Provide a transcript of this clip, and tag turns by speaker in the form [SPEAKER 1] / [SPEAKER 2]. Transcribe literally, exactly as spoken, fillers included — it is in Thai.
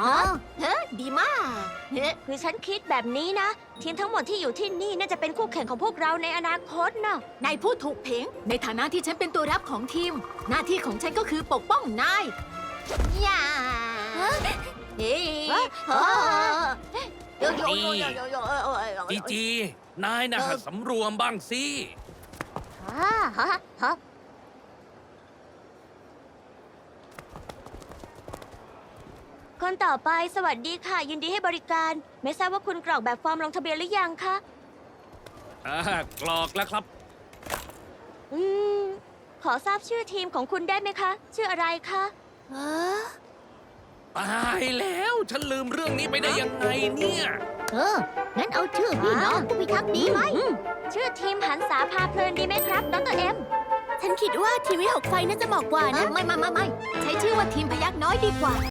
[SPEAKER 1] อ๋อเฮ้ดีมากเฮ้
[SPEAKER 2] คือฉันคิดแบบนี้นะ ทีมทั้งหมดที่อยู่ที่นี่น่าจะเป็นคู่แข่งของพวกเราในอนาคตเนาะ
[SPEAKER 1] นายพูดถูกเพงในฐานะที่ฉันเป็นตัวรับของทีม หน้าที่ของฉันก็คือปกป้องนายย่าเฮ้ย
[SPEAKER 3] จีจี นายนะหัดสำรวมบ้างสิ
[SPEAKER 2] ฮ่าฮ่าฮ่าคนต่อไปสวัสดีค่ะ ยินดีให้บริการ ไม่ทราบว่าคุณกรอกแบบฟอร์มลงทะเบียนหรือยังคะ
[SPEAKER 3] อ่ากรอกแล้วครับ
[SPEAKER 2] อืม ขอทราบชื่อทีมของคุณได้ไหมคะ ชื่ออะไรคะ
[SPEAKER 1] เออ
[SPEAKER 3] ตายแล้ว ฉันลืมเรื่องนี้ไปได้ยังไงเนี่ย
[SPEAKER 1] เออ งั้นเอาชื่อพี่น้องผู้พิทักษ์ดีไหม
[SPEAKER 2] ชื่อทีมหันษาพาเพลินดีไหมครับดรเอ็ม
[SPEAKER 1] ฉันคิดว่าทีมวิหกไฟน่าจะเหมาะกว่านะ ไม่ไม่ไม่ไม่ใช้ชื่อว่าทีมพยักน้อยดีกว่า